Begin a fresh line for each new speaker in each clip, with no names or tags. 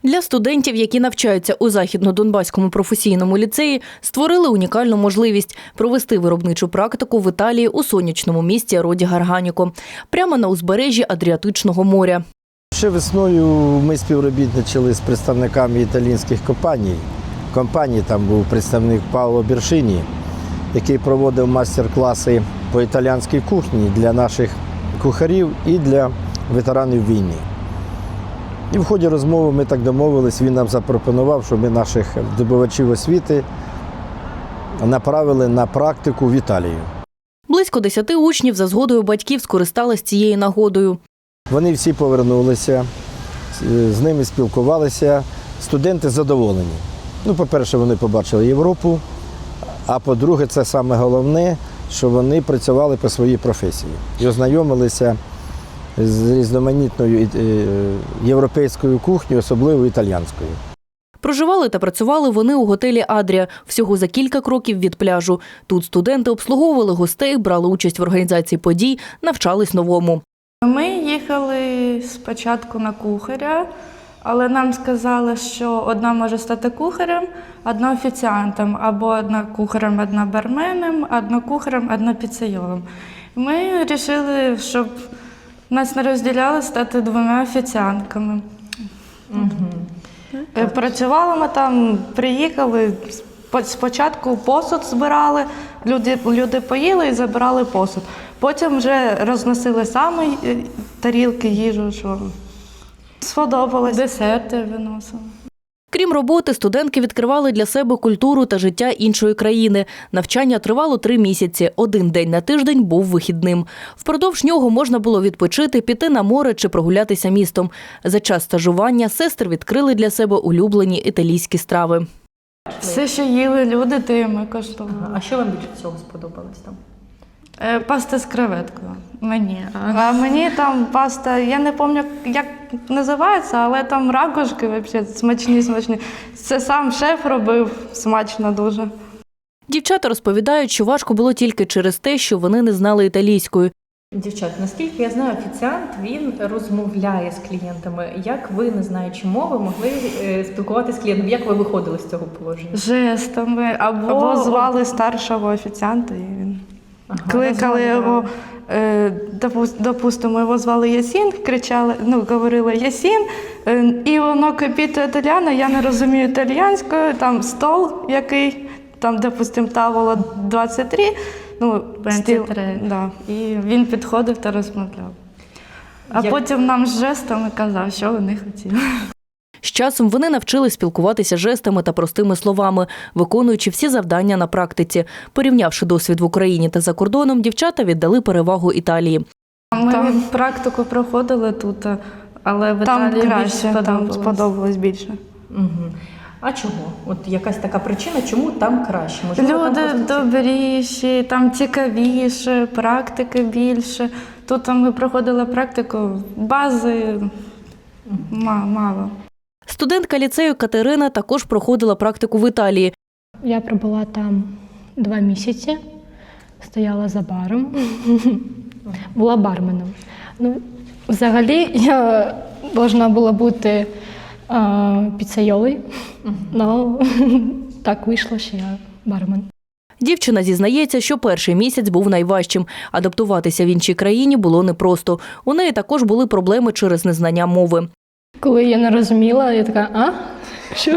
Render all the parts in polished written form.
Для студентів, які навчаються у Західно-Донбаському професійному ліцеї, створили унікальну можливість провести виробничу практику в Італії у сонячному місті Роді-Гарганіко, прямо на узбережжі Адріатичного моря.
Ще весною ми співробітничали з представниками італійських компаній. Там був представник Паоло Бершині, який проводив майстер-класи по італійській кухні для наших кухарів і для ветеранів війни. І в ході розмови ми так домовились, він нам запропонував, щоб ми наших здобувачів освіти направили на практику в Італію.
Близько 10 учнів за згодою батьків скористались цією нагодою.
Вони всі повернулися, з ними спілкувалися, студенти задоволені. По-перше, вони побачили Європу, а по-друге, це саме головне, що вони працювали по своїй професії і ознайомилися з різноманітною європейською кухнею, особливо італійською.
Проживали та працювали вони у готелі «Адрія» всього за кілька кроків від пляжу. Тут студенти обслуговували гостей, брали участь в організації подій, навчались новому.
Ми їхали спочатку на кухаря, але нам сказали, що одна може стати кухарем, одна офіціантом, або одна кухарем, одна барменом, одна кухарем, одна піцейолом. Ми вирішили, щоб нас не розділяли, стати 2 офіціантками. Працювали ми там, приїхали, спочатку посуд збирали, люди поїли і забирали посуд. Потім вже розносили самі тарілки, їжу, що сподобалось. Десерти виносили.
Крім роботи, студентки відкривали для себе культуру та життя іншої країни. Навчання тривало 3 місяці. 1 день на тиждень був вихідним. Впродовж нього можна було відпочити, піти на море чи прогулятися містом. За час стажування сестри відкрили для себе улюблені італійські страви.
Все, що їли люди, те ми коштували.
А що вам більше всього сподобалось там?
Паста з креветкою. Мені. А мені там паста, я не пам'ятаю, як називається, але там ракушки взагалі смачні. Це сам шеф робив, смачно дуже.
Дівчата розповідають, що важко було тільки через те, що вони не знали італійської.
Дівчат, наскільки я знаю, офіціант, він розмовляє з клієнтами. Як ви, не знаючи мови, могли спілкуватися з клієнтом? Як ви виходили з цього положення?
Жестами. Або звали старшого офіціанта, і він кликали його, допустимо, його звали Ясін, кричали, говорили Ясін, і воно кипіто італіано, я не розумію італійською, там стол який, там, допустимо, таволо 23, 23, да. І він підходив та розмовляв. А потім нам з жестами казав, що вони хотіли.
З часом вони навчились спілкуватися жестами та простими словами, виконуючи всі завдання на практиці. Порівнявши досвід в Україні та за кордоном, дівчата віддали перевагу Італії.
Ми практику проходили тут, але в Італії краще, там сподобалось більше.
Угу. А чого? От якась така причина, чому там краще?
Можливо, люди добріші, там цікавіше, практики більше. Тут ми проходили практику, бази мало.
Студентка ліцею Катерина також проходила практику в Італії.
Я пробула там 2 місяці, стояла за баром, була барменом. Взагалі я повинна була бути піцейолою, але так вийшло, що я бармен.
Дівчина зізнається, що перший місяць був найважчим. Адаптуватися в іншій країні було непросто. У неї також були проблеми через незнання мови.
Коли я не розуміла, я така, а? Що?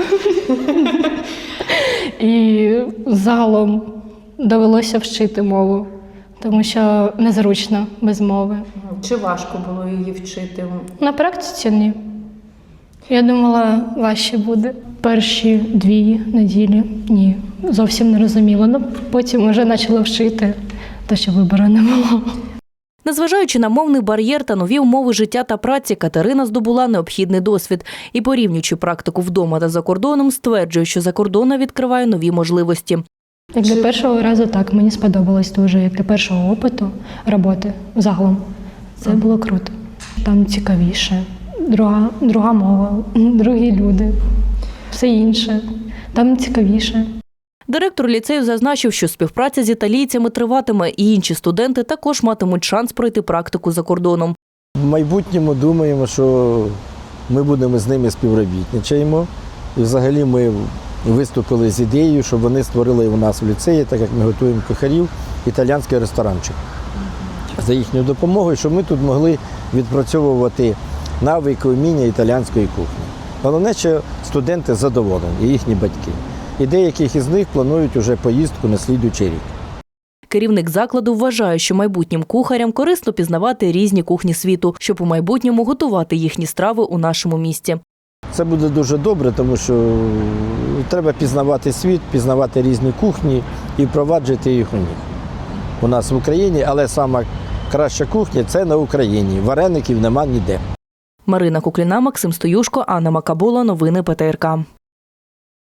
І загалом довелося вчити мову, тому що незручно без мови.
Чи важко було її вчити?
На практиці ні. Я думала, важче буде. Перші 2 неділі ні, зовсім не розуміла. Потім вже почала вчити, те, що вибору не було.
Незважаючи на мовний бар'єр та нові умови життя та праці, Катерина здобула необхідний досвід. І порівнюючи практику вдома та за кордоном, стверджує, що закордонна відкриває нові можливості.
Як для першого разу, так, мені сподобалось дуже. Як для першого опиту роботи загалом. Це було круто. Там цікавіше, друга мова, другі люди, все інше. Там цікавіше.
Директор ліцею зазначив, що співпраця з італійцями триватиме, і інші студенти також матимуть шанс пройти практику за кордоном.
В майбутньому думаємо, що ми будемо з ними співробітничаємо. І взагалі ми виступили з ідеєю, щоб вони створили у нас в ліцеї, так як ми готуємо кухарів, італійський ресторанчик. За їхньою допомогою, щоб ми тут могли відпрацьовувати навики, уміння італійської кухні. Головне, що студенти задоволені, і їхні батьки. І деяких із них планують уже поїздку на слідуючий рік.
Керівник закладу вважає, що майбутнім кухарям корисно пізнавати різні кухні світу, щоб у майбутньому готувати їхні страви у нашому місті.
Це буде дуже добре, тому що треба пізнавати світ, пізнавати різні кухні і впроваджувати їх у нас в Україні, але сама краща кухня – це на Україні. Вареників нема ніде.
Марина Кукліна, Максим Стоюшко, Анна Макабула. Новини ПТРК.